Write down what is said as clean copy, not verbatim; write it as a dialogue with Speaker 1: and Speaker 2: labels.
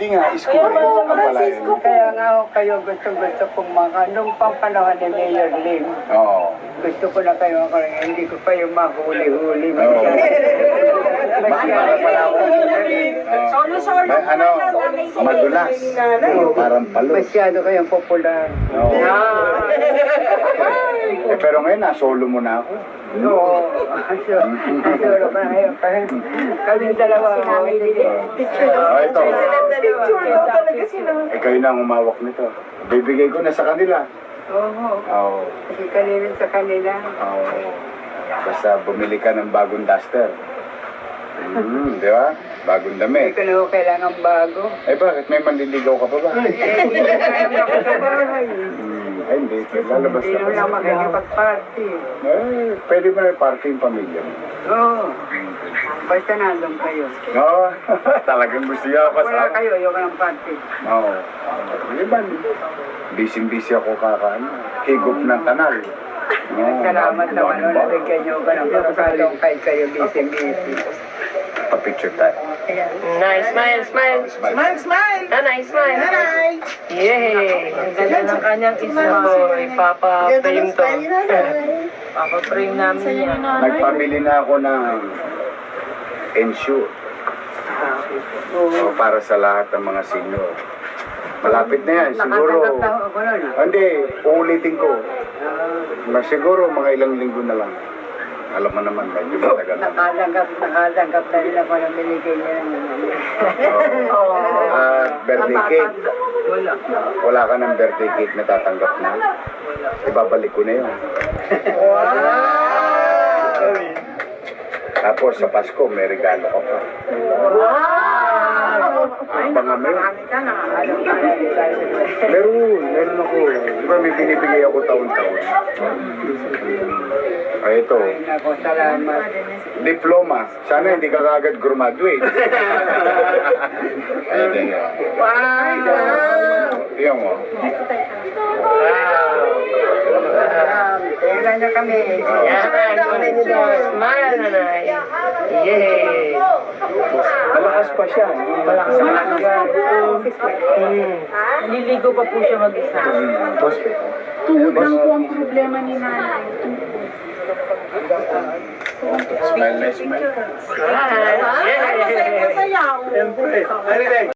Speaker 1: Hindi nga, schooling ang pala yun.
Speaker 2: Kaya nga ako kayo gusto kong nung pampanahon ni Mayor Lim.
Speaker 1: Oo.
Speaker 2: Gusto ko na kayo ako rin, hindi ko pa yung mahuli-huli.
Speaker 1: Oo.
Speaker 2: Masyado pala ako.
Speaker 3: Solo-solo.
Speaker 1: Ano, madulas. Parang palo.
Speaker 2: Masyado kayong popular.
Speaker 1: Oo. Pero ngayon, nasolo mo na ako.
Speaker 2: Oo. Solo pa na kayo. Kaming dalawa.
Speaker 1: Ito.
Speaker 3: Picture daw talaga sila.
Speaker 1: Kayo na ang umawak nito. Bibigay ko na sa kanila.
Speaker 2: Oo.
Speaker 1: Oo.
Speaker 2: Kasi kanina sa kanila.
Speaker 1: Oo. Basta bumili ka ng bagong duster. Di ba? Bagong
Speaker 2: Hindi
Speaker 1: damit.
Speaker 2: ko na ako kailangan bago.
Speaker 1: Eh bakit? May manliligaw ka pa ba?
Speaker 2: Hindi na kaya ako sa bahay.
Speaker 1: Ay hindi. Lalabas
Speaker 2: Hindi
Speaker 1: na
Speaker 2: na lang
Speaker 1: kasi.
Speaker 2: makikipag-party.
Speaker 1: Pwede ba may party yung pamilya mo?
Speaker 2: Oo. Basta nandun kayo.
Speaker 1: Oo. Talagang gusto niya ako
Speaker 2: Wala
Speaker 1: kasama.
Speaker 2: kayo, ayoko ng party.
Speaker 1: Oo. Di ba? Busy-busy ako kakaano. Higop ng kanal.
Speaker 2: Salamat naman o nabigyan niyo ka ng pagkakataon kahit kayo busy-busy.
Speaker 1: Pa-picture tayo.
Speaker 4: Nice, smile, smile.
Speaker 3: Smile, smile.
Speaker 4: Nanay, smile.
Speaker 3: Nanay.
Speaker 4: Yay! Ang ganda ng kanyang isma. Ipapa-frame to. Papa-frame namin yan.
Speaker 1: Nagpamili na ako ng ensure. So, para sa lahat ng mga senior. Malapit na yan. Siguro.
Speaker 2: Nakatanggap na ako nun.
Speaker 1: Hindi, uulitin ko. Siguro mga ilang linggo na lang. Alam mo naman, medyo matagal na.
Speaker 2: Nakatanggap na rin ako ng binigay niya.
Speaker 1: Birthday cake.
Speaker 2: Wala.
Speaker 1: Wala ka ng birthday cake na tatanggap na. Ibabalik ko na yun. Tapos sa Pasko, may regalo ka pa. Abangan mo yun. Meron ako. Di ba may binibigay ako taon-taon? Ay, ito.
Speaker 2: Ako, salamat.
Speaker 1: Diploma. Sana hindi ka kagad graduate. Ayun yan.
Speaker 3: Wow.
Speaker 1: Tingnan mo.
Speaker 2: Kailan na kami.
Speaker 4: Yan. Smile, nanay. Yay!
Speaker 1: Malakas pa siya. Malakas
Speaker 4: Nililigo pa po siya mag-isa.
Speaker 1: Hospital.
Speaker 3: Tuhod lang po ang problema ni nanay.
Speaker 1: Smile na smile.
Speaker 4: Smile. Yay!
Speaker 3: Masaya.
Speaker 1: Siyempre.